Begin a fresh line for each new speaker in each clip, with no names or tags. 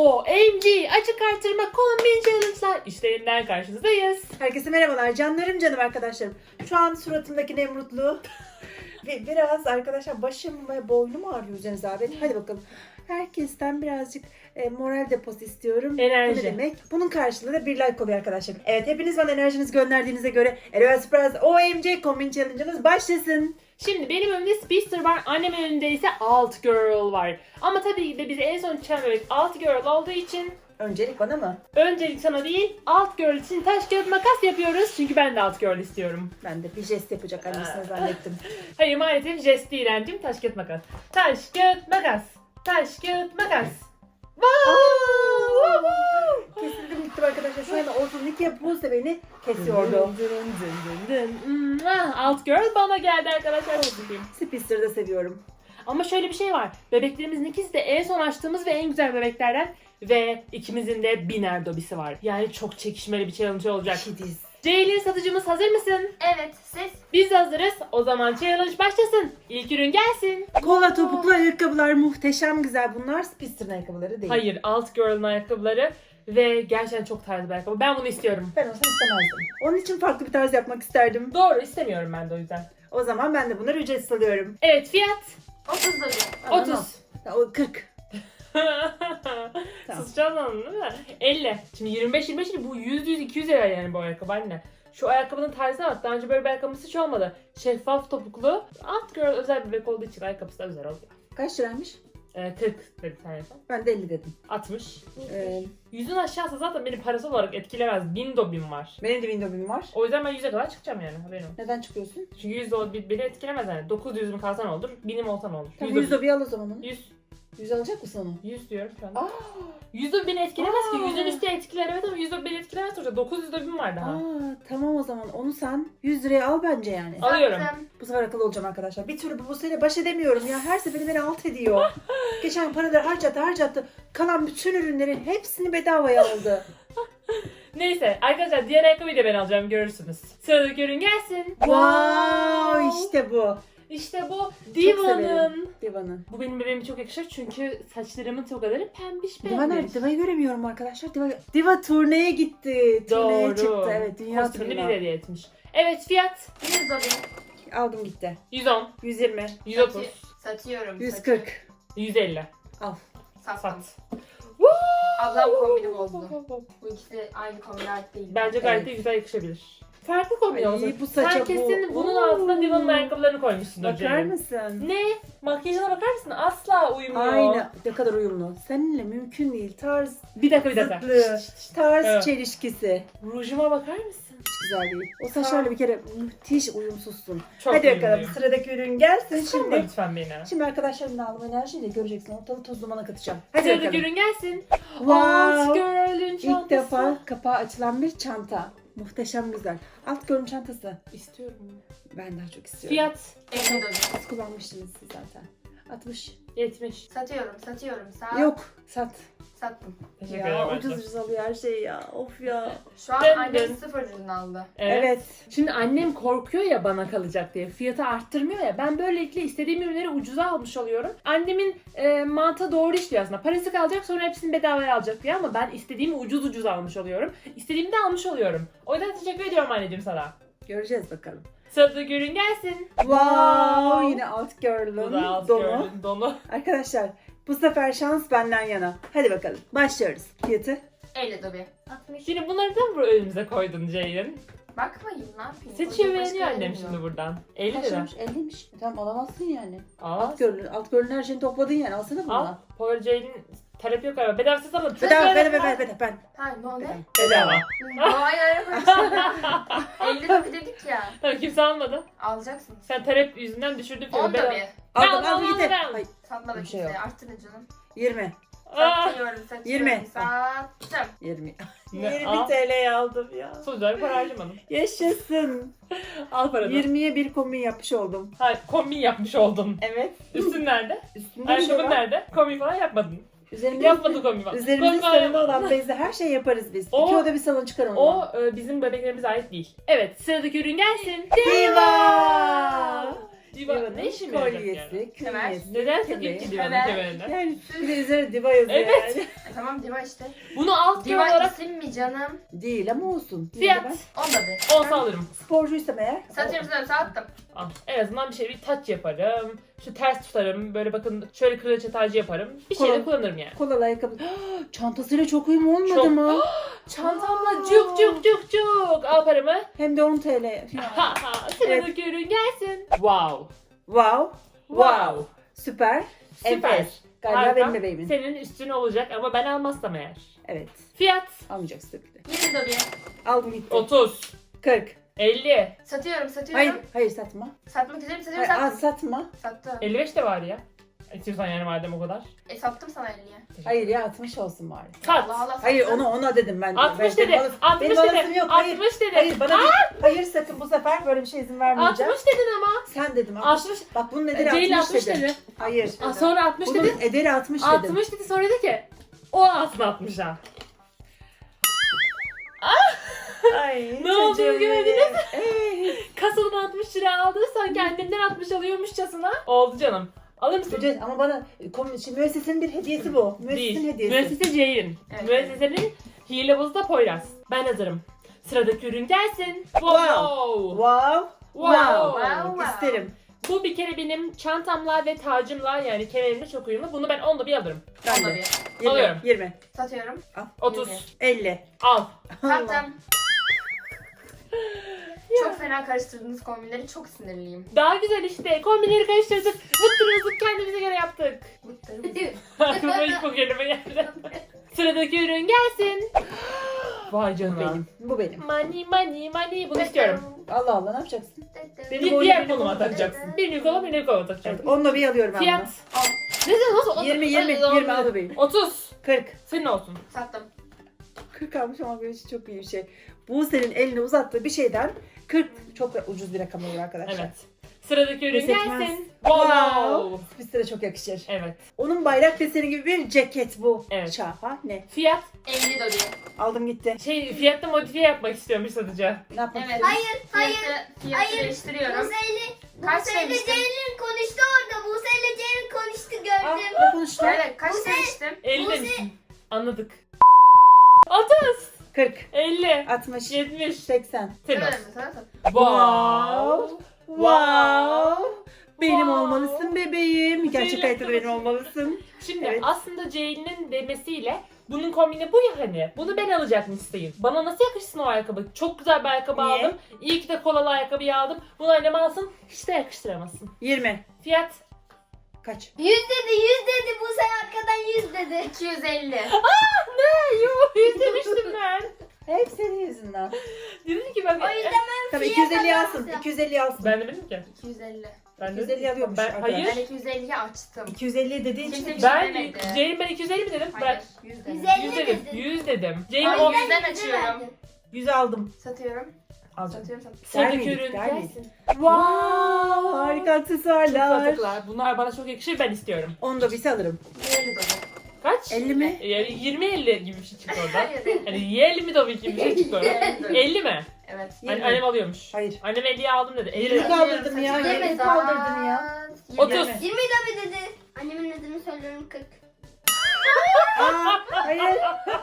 OMG açık artırma kombin challenge'lar işlerinden karşınızdayız.
Herkese merhabalar canım arkadaşlarım. Şu an suratımdaki Nemrutluğu ve biraz arkadaşlar başım ve boynum ağrıyor üzerinize abi. Hadi bakalım. Herkesten birazcık moral deposu istiyorum.
Enerji.
Bu ne demek? Bunun karşılığı da bir like oluyor arkadaşlar. Evet, hepiniz bana enerjinizi gönderdiğinize göre Eleven Surprise OMG Combine Challenge'ımız başlasın.
Şimdi benim önümde Speedster var, annemin önünde ise Alt Girl var. Ama tabii ki de bizi en son çıkan bebek Alt Girl olduğu için
Öncelik bana mı?
öncelik sana değil, Alt Girl için taş kağıt makas yapıyoruz. Çünkü ben de Alt Girl istiyorum.
Ben de bir jest yapacak annesine zannettim.
Hayır, maalesef jest değil Eren'cim, taş kağıt makas. Taş kağıt makas. Taş kağıt makas.
Kesildim gittim arkadaşlar. Şu anda ortadan ikiye Buse beni kesiyordu.
Alt Girl bana geldi arkadaşlar.
Speedster'ı da seviyorum.
Ama şöyle bir şey var. Bebeklerimizin ikisi de en son açtığımız ve en güzel bebeklerden. Ve ikimizin de biner dobisi var. Yani çok çekişmeli bir challenge olacak.
Kediz.
Ceylin satıcımız hazır mısın?
Evet, siz?
Biz de hazırız. O zaman challenge başlasın. İlk ürün gelsin.
Kola topuklu ayakkabılar muhteşem güzel. Bunlar Speedster'ın ayakkabıları değil.
Hayır, Alt Girl'ın ayakkabıları. Ve gerçekten çok tarzı bir ayakkabı. Ben bunu istiyorum.
Ben olsam istemezdim. Onun için farklı bir tarz yapmak isterdim.
Doğru, istemiyorum ben de o yüzden.
O zaman ben de bunları ücretsiz alıyorum.
Evet, fiyat
30 lira.
30.
O 40. Tamam.
Susacağız anladın değil mi? 50. Şimdi 25 değil, bu 100 200 lira yani bu ayakkabı anne. Şu ayakkabının tarzına bak. Daha önce böyle bir ayakkabısı hiç olmadı. Şeffaf topuklu. Alt Girl özel bebek olduğu için ayakkabısı da özel oluyor.
Kaç liraymış?
40 dedi sen yapalım.
Ben de 50 dedim.
60.
Ee,
Yüzün aşağısı zaten beni parası olarak etkilemez. 1000 dobim var.
benim de window'um var.
O yüzden ben 100'e kadar çıkacağım yani, haberin olsun.
Neden çıkıyorsun?
Çünkü 100 dobim beni etkilemez yani. 900'üm kalsan olur, 1000'im olsan olur.
Tamam, 100 dobi al o zaman onu.
100.
100 alacak mısın onu?
100 diyorum şu an.
Aa,
100 dobim beni etkilemez ki.
Aa.
100'ün üstü etkiler evet ama 100 dobim beni etkilemez sonuçta. 900 dobim var daha.
tamam o zaman onu sen 100 liraya al bence yani.
Alıyorum.
Sattım.
Bu sefer akıllı olacağım arkadaşlar. Bir türlü bu Buse'yle baş edemiyorum ya. Her seferinde beni alt ediyor. Geçen paraları harcattı. Kalan bütün ürünlerin hepsini bedavaya aldı.
Neyse arkadaşlar, diğer ayakkabıyı da ben alacağım, görürsünüz. Sıradaki ürün gelsin.
Wow, işte bu.
İşte bu
Çok
Diva'nın.
severim Diva'nın.
Bu benim bebeğime çok yakışır çünkü saçlarımın tokaları pembiş
Diva nerede?
pembiş.
Diva'yı göremiyorum arkadaşlar. Diva turneye gitti. Turneye
Doğru.
çıktı. Evet, dünya
Kostümünü
turuna.
bize hediye etmiş. Evet, fiyat
100 lira.
Aldım gitti.
110,
120,
130,
Satıyorum.
140.
150.
Al.
Sattım.
Sat.
Ablam kombini bozdu. Bu ikisi aynı kombinler değil.
Bence gayet de
Evet.
güzel yakışabilir. Farklı kombin
Ay,
olsun.
bu saça
Sen kesin
bu.
bunun
Oo.
altına Diva'nın ayakkabılarını koymuşsun.
Bakar mısın?
Ne? Makyajına bakar mısın? Asla uymuyor.
Aynı. Ne kadar uyumlu. Seninle mümkün değil. Tarz
Bir dakika.
zıtlığı, tarz
Evet.
çelişkisi.
Rujuma bakar mısın?
Hiç güzel değil. O saçlarla bir kere müthiş uyumsuzsun.
Çok
Hadi bakalım,
uyumluyum.
sıradaki ürün gelsin
Kıskanma
şimdi.
lütfen beni.
Şimdi arkadaşlarımla aldığım enerjiyle göreceksin. Ortalığı toz dumana katacağım. Hadi
Sıradaki
bakalım.
ürün gelsin.
Wow.
Alt Girl'ün çantası.
İlk defa kapağı açılan bir çanta. Muhteşem güzel. Alt görün çantası.
İstiyorum.
Ben daha çok istiyorum.
Fiyat
50 lira.
Siz kullanmıştınız siz zaten. 60.
70.
Satıyorum.
Yok. Sat.
Sattım.
Teşekkür
Ya
ederim.
ucuz
arkadaşlar.
ucuz alıyor her şey ya. Of ya.
Şu an
Dön,
annem
dön.
0 ürün aldı.
Evet. Şimdi annem korkuyor ya bana kalacak diye. Fiyatı arttırmıyor ya. Ben böylelikle istediğim ürünleri ucuza almış oluyorum. Annemin mantığı doğru işliyor aslında. Parası kalacak, sonra hepsini bedavaya alacak diye, ama ben istediğimi ucuz almış oluyorum. İstediğimi de almış oluyorum. O yüzden teşekkür ediyorum anneciğim sana.
Göreceğiz bakalım.
Sıradaki ürün gelsin.
Wow, yine alt
Bu da
girl'ın
Alt
donu.
Girl'ün donu.
Arkadaşlar bu sefer şans benden yana. Hadi bakalım başlıyoruz. Fiyatı
50 lira. 60.
Şimdi bunları da mı önümüze koydun Ceylin?
Bakmayın, ne yapayım?
Seçiyor,
Başka
beğeniyor annem
yerim
şimdi
yok.
buradan. 50 lira.
kaçmış? 50'miş. Tamam alamazsın yani.
Aa,
Alt girl'ün her şeyini topladın yani. Alsana bunu.
al. Power Ceylin terapi yok galiba. Bedavasız alın.
Bedava. Ben.
Ha, ne oldu?
Bedava.
Hayır. 50 lira dedik ya.
Tabii kimse almadı.
Alacaksınız.
Sen terapi yüzünden düşürdün fiyatı.
10 da bir.
Aldım
al,
gitti.
al.
Hayır,
Satmadık
Bir şey
kimseye.
yok.
Arttırın canım.
20.
Satıyorum.
20.
Sattım.
20.
Ne?
20
Al.
TL'ye aldım ya.
Sonuçta para harcamadım.
Yaşasın.
Al paranı.
20'ye bir kombin yapmış oldum.
Hayır, kombin yapmış oldun.
Evet.
Üstün nerede?
Üstünde bir şey
Ayakkabın
var.
nerede? Kombin falan yapmadın.
Üzerimde
Yapmadın kombin falan.
Üzerimizde
Kombin falan
sarılı
yapmadın.
olan bezle her şey yaparız biz.
O-
İki oda bir salon çıkarım.
O bizim bebeklerimize ait değil. Evet, sıradaki ürün gelsin.
Diva!
Diva ne işim yarayacak yani?
kolyesi,
Kemer.
künyesi.
Neden
kemeği.
tabii ki divanın
Evet.
kemerinde?
Yani bir de üzerine diva yazıyor
Evet.
yani.
Tamam diva işte.
Bunu alt
Diva
olarak
isim mi canım?
Değil ama olsun.
Fiyat.
Yani
Onda bir.
olsa alırım.
ben sporcuysam eğer.
Satıyorum sattım.
Al. En azından bir şey bir taç yaparım. Şu ters tutarım. Böyle bakın şöyle kraliçe tacı yaparım. Bir şeyle
Kolay.
kullanırım yani.
Kolalı ayakkabı. Çantasıyla çok uyum olmadı
Çok.
mı?
Çantamla cuk cuk cuk cuk. Al paramı.
Hem de 10 TL.
Ha ha. Sıradaki ürün gelsin. Wow.
Wow.
Wow.
Süper.
Süper.
Enfes. Galiba
Harika.
benim bebeğimin.
Senin üstün olacak ama ben almazsam eğer.
Evet.
Fiyat
Almayacaksın tabii ki de.
20 dobi.
Aldım gitti.
30,
40.
50,
Satıyorum.
Hayır satma.
Satmak üzere satıyorum
Hayır,
sattım.
satma.
Sattım.
55 de var ya. İstiyorsan yani madem o kadar.
Sattım sana 50'ye.
Hayır ya 60 olsun bari.
Sat.
Allah Allah.
Hayır
sattım.
ona dedim ben.
60
benim
dedi.
alasım-
60
benim alasım
dedi.
yok. Hayır.
60 dedi.
Hayır bana değil. Hayır sakın bu sefer böyle bir şey izin vermeyeceğim.
60 dedin ama.
Sen dedim 60.
60.
Bak bunun ederi
Değil
60,
60
dedim.
dedi.
Hayır.
Sonra 60
Bunun
dedi.
ederi 60 dedim.
60 dedi sonra dedi ki o aslında 60'a.
Ay,
Ne olduğunu
çocuğum
gördünüz
benim.
Kasadan 60 lira aldıysan kendinden 60 alıyormuşçasına. Oldu canım. Alır mısın?
Çocuğum ama bana şimdi müessesenin bir hediyesi bu. Müessesenin
Değil.
hediyesi.
Müessese Ceylin.
Evet.
Müessesenin hilebazı da Poyraz. Ben hazırım. Sıradaki ürün gelsin.
Wow.
Wow.
Wow.
Wow.
İsterim.
Bu bir kere benim çantamla ve tacımla yani kemerimle çok uyumlu. Bunu ben onda bir alırım.
Ben
Onda
de.
bir.
20.
Alıyorum.
20.
Satıyorum.
30.
50.
Al.
Sattım. Çok fena karıştırdığınız kombinleri çok sinirliyim.
Daha güzel işte. Kombinleri karıştırdık. Vıttırızlık kendimize göre yaptık. Aklıma ilk bu kelime geldi. Sıradaki ürün gelsin. Vay
Bu
canına.
benim. Bu benim.
Money money money. Bunu istiyorum.
Allah Allah ne yapacaksın?
Bir
boynum,
diğer
benim
koluma
boynum.
takacaksın. Bir kola bir kola
Evet,
takacaksın.
onunla bir alıyorum ben
Fiyat.
Al.
Ne nasıl?
20 20 al bebeğim.
30.
40.
Senin olsun.
Sattım.
40 almış ama benim için çok iyi bir şey. Bu senin eline uzattığı bir şeyden 40 çok ucuz bir rakam olur arkadaşlar.
Evet. Sıradaki ürün
Pes etmez.
gelsin.
Wow. Bizde de çok yakışır.
Evet.
Onun bayrak deseni gibi bir ceket bu.
Evet.
Şahane.
Fiyat.
50 dobi.
Aldım gitti.
Fiyatta modifiye yapmak istiyormuş satıcı.
Ne yapmak
Evet.
istiyorsun?
Fiyatı değiştiriyorum. Kaç
Buse'yle
demiştim?
Ceylin konuştu orada. Buse'yle Ceylin konuştu
Ah,
gördüm.
ne konuştun?
Evet kaç demiştim?
50
Bu
demişsin. Anladık. 30.
40,
50.
60,
70.
80.
Senin
Sana
olsun.
sattım.
Wow.
Wow. Benim
Wow.
olmalısın bebeğim. Gerçek
Zeynep
hayatta benim
olmalısın.
olmalısın.
Şimdi
Evet.
aslında Ceylin'in demesiyle bunun kombini bu ya hani. Bunu ben alacakmışsın. Bana nasıl yakışsın o ayakkabı? Çok güzel bir ayakkabı
Niye?
aldım. İyi ki de kolalı ayakkabıyı aldım. Bunu annem alsın. Hiç de yakıştıramazsın.
20.
Fiyat.
Kaç?
100 dedi. Buse arkadan 100 dedi.
250.
Ne? Yuh. 100 demiştim ben.
Hep senin yüzünden.
Dedim ki bak.
O yüzden
Tabii
fiyata
250 alsın.
bakacağım.
250 alsın.
Ben demedim ki.
250.
Ben
250 alıyormuş
Ben,
arkadaş.
hayır.
Ben 250'yi açtım.
250 dediğin için
Kimse bir
Ben
şey demedi.
Ceylin ben 250 mi dedim?
Hayır.
Bırak.
100 dedim.
150
100 dedim.
dedin.
100 dedim. Ceylin
Ay,
o.
yüzden
yüzü
açıyorum.
verdin.
100 aldım.
Satıyorum.
Alacağım.
Satıyorum satıyorum.
Sıradaki
Vermedik,
ürün
vermedik.
gelsin.
Wow, harika
Çok
aksesuarlar.
satıklar. Bunlar bana çok yakışır, ben istiyorum.
Onu da bir alırım.
50 dobi.
Kaç?
50 mi?
Yani 20-50 gibi bir şey çıktı oradan.
Hayır.
Hani 50 mi tabii gibi bir şey çıktı oradan. 50 mi?
Evet.
Yirmi.
Annem alıyormuş.
Hayır.
Annem 50'ye aldım dedi. 50
Yirmi
dedi.
kaldırdın ya.
Satıyorum.
20 kaldırdın ya.
30.
20 tabii dedi. Annemin adını söylüyorum 40.
Aa, hayır.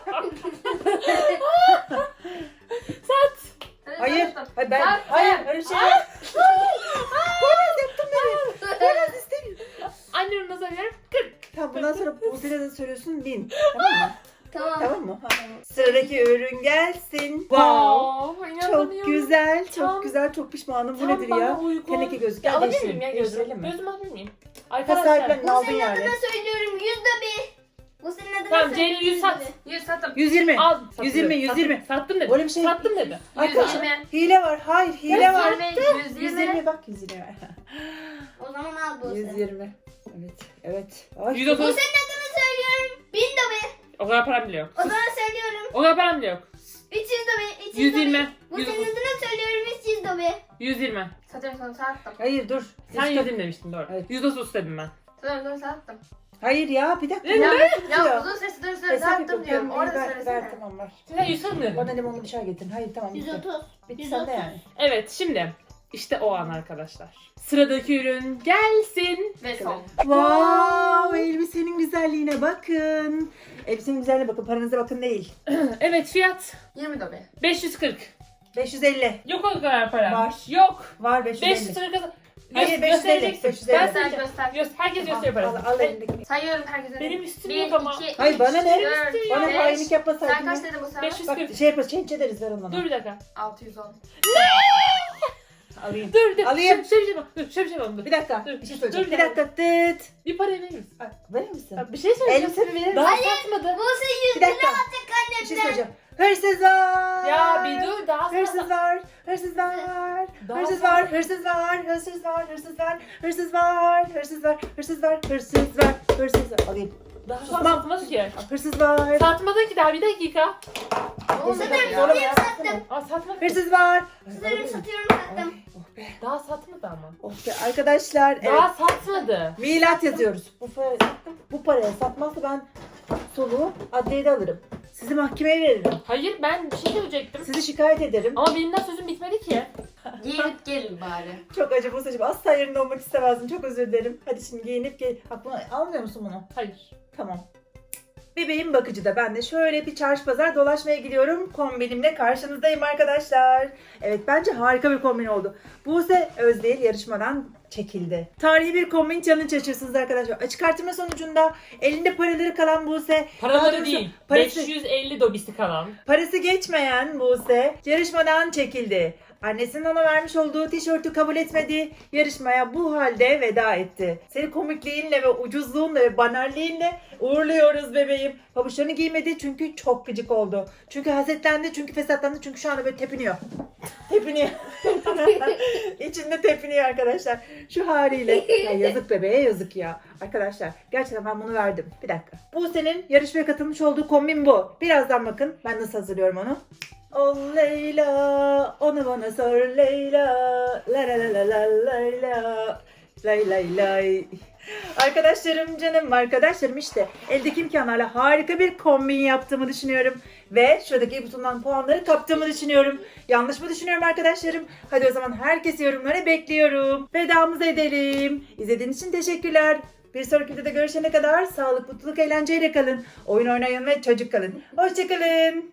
Sat.
Hayır. Hayır ben.
Sat.
Hayır. Öyle şey yok. Poyraz yaptın beni. Poyraz istemiyorum.
Annemin nasıl alıyorum? 40.
Tamam bundan sonra Buse'yle de söylüyorsun 1000. Tamam mı?
Tamam.
Tamam mı? Ha. Sıradaki ürün gelsin. Wow.
Wow.
Çok
inanamıyorum.
güzel. Çok
Tam-
güzel. Çok pişmanım. Bu
Tam
nedir
bana
ya?
uygun.
Teneke gözlük.
Ya
Gel
alabilir
değiştirelim.
miyim ya gözümü?
Değiştirelim mi?
Gözümü alabilir miyim?
Ha,
Arkadaşlar.
sahiplerini aldın
Buse'nin
yani.
adını söylüyorum 100 tabii. Buse'nin adını
Tamam
söylüyorum.
Ceylin 100 sat.
100 sattım.
120.
Al.
120, 120.
Sattım dedi.
Böyle bir şey-
Sattım dedi.
Arkadaşlar
120.
hile var. Hayır hile var.
120.
120 bak 120.
O zaman al Buse.
120. Evet. Evet. Ay.
130.
Buse'nin adını söylüyorum 1000 tabii.
O kadar param bile yok.
O zaman söylüyorum
O kadar param bile yok.
300 tabii. 300
120.
Buse'nin adını söylüyorum 300 tabii.
120.
Satıyorum sana sattım.
Hayır dur.
Sen
Üç
120 demiştin doğru.
Evet.
130 dedim ben.
Satıyorum sattım.
Hayır ya bir dakika.
Ne?
Ya,
Ya,
ya uzun sesi dur
Hesap
sattım
yapıyorum.
diyorum.
Tamam,
Orada
ver, ver,
söylesene.
tamam var.
Sen 140 mı dedin?
Bana limonlu bir çay getirin. Hayır tamam bitti.
130.
Bitti
130.
sende yani.
Evet şimdi İşte o an arkadaşlar. Sıradaki ürün gelsin.
Ve son.
Wow, elbisenin güzelliğine bakın. Elbisenin güzelliğine bakın, paranıza bakın değil.
Evet, fiyat
20 dobe.
540.
550.
Yok o kadar para.
Var.
Yok.
Var 550.
540 kadar.
Hayır, 550,
Göstereceksin.
550.
Ben
Göster
sayacağım.
göster.
Herkes gösteriyor
Al,
parasını.
al elindeki.
Sayıyorum herkese.
Benim üstüm
1,
yok ama.
2,
Hayır, bana ne? Bana hainlik yapma
Sen
sakın.
kaç dedin bu sefer?
540.
Bak şey yaparız, change ederiz ver onu.
Dur bir dakika.
610.
Alayım.
Dur.
Alayım.
Şöyle bir şey bak. Dur, şöyle bir şey bak. Dur.
Bir dakika,
Dur,
bir şey
dur,
söyleyeceğim.
dur.
Bir dakika, tıt.
Bir para verir misin?
Ay, verir misin?
Bak, bir şey söyleyeceğim.
Elbisemi verir misin?
Daha satmadı.
Buse
Bir
100 lira
dakika.
alacak
Bir şey
annemden.
söyleyeceğim. Hırsız var.
Ya bir dur, daha
Hırsız
satmadı.
var, hırsız var,
Daha
hırsız
fazla.
var, hırsız var, hırsız var, hırsız var, hırsız var, hırsız var, hırsız var, hırsız var, hırsız var. Alayım.
Daha
Susmam.
satmadı ki.
Hırsız var.
Satmadı ki daha, bir dakika.
Ne oldu
Sanırım
ya?
sonra
Benim sattım.
Aa, satmadı.
Hırsız var.
Sanırım satıyorum sattım.
Oh be.
Daha satmadı ama.
Oh be arkadaşlar. Evet.
Daha satmadı.
Milat yazıyoruz. Bu paraya satmazsa ben soluğu adliyede alırım. Sizi mahkemeye veririm.
Hayır, ben bir şey söyleyecektim.
Sizi şikayet ederim.
Ama benim daha sözüm bitmedi ki.
Giyinip gelin bari.
Çok acı Buse'cim. Asla yerinde olmak istemezdim. Çok özür dilerim. Hadi şimdi giyinip gel. Aklına almıyor musun bunu?
Hayır.
Tamam. Bebeğim bakıcıda. Ben de şöyle bir çarşı pazar dolaşmaya gidiyorum. Kombinimle karşınızdayım arkadaşlar. Evet, bence harika bir kombin oldu. Buse Özdil yarışmadan çekildi. Tarihi bir kombin challenge açıyorsunuz arkadaşlar. Açık artırma sonucunda elinde paraları kalan Buse. daha
Paraları
doğrusu
değil.
Parası,
550 dobisi kalan.
parası geçmeyen Buse yarışmadan çekildi. Annesinin ona vermiş olduğu tişörtü kabul etmedi. Yarışmaya bu halde veda etti. Seni komikliğinle ve ucuzluğunla ve banalliğinle uğurluyoruz bebeğim. Pabuçlarını giymedi çünkü çok gıcık oldu. Çünkü hasetlendi, çünkü fesatlandı, çünkü şu anda böyle tepiniyor. Tepiniyor. İçinde tepiniyor arkadaşlar. Şu haliyle. Ya yazık bebeğe, yazık ya. Arkadaşlar gerçekten ben bunu verdim. Bir dakika. Bu senin yarışmaya katılmış olduğu kombin bu. Birazdan bakın ben nasıl hazırlıyorum onu. Oh Leyla, onu bana sor Leyla, la la la la la Leyla, lay lay lay. Arkadaşlarım, canım arkadaşlarım, işte eldeki imkanlarla harika bir kombin yaptığımı düşünüyorum. Ve şuradaki butondan puanları kaptığımı düşünüyorum. Yanlış mı düşünüyorum arkadaşlarım? Hadi o zaman herkes yorumlara bekliyorum. Vedamızı edelim. İzlediğiniz için teşekkürler. Bir sonraki videoda görüşene kadar sağlık, mutluluk, eğlenceyle kalın. Oyun oynayın ve çocuk kalın. Hoşçakalın.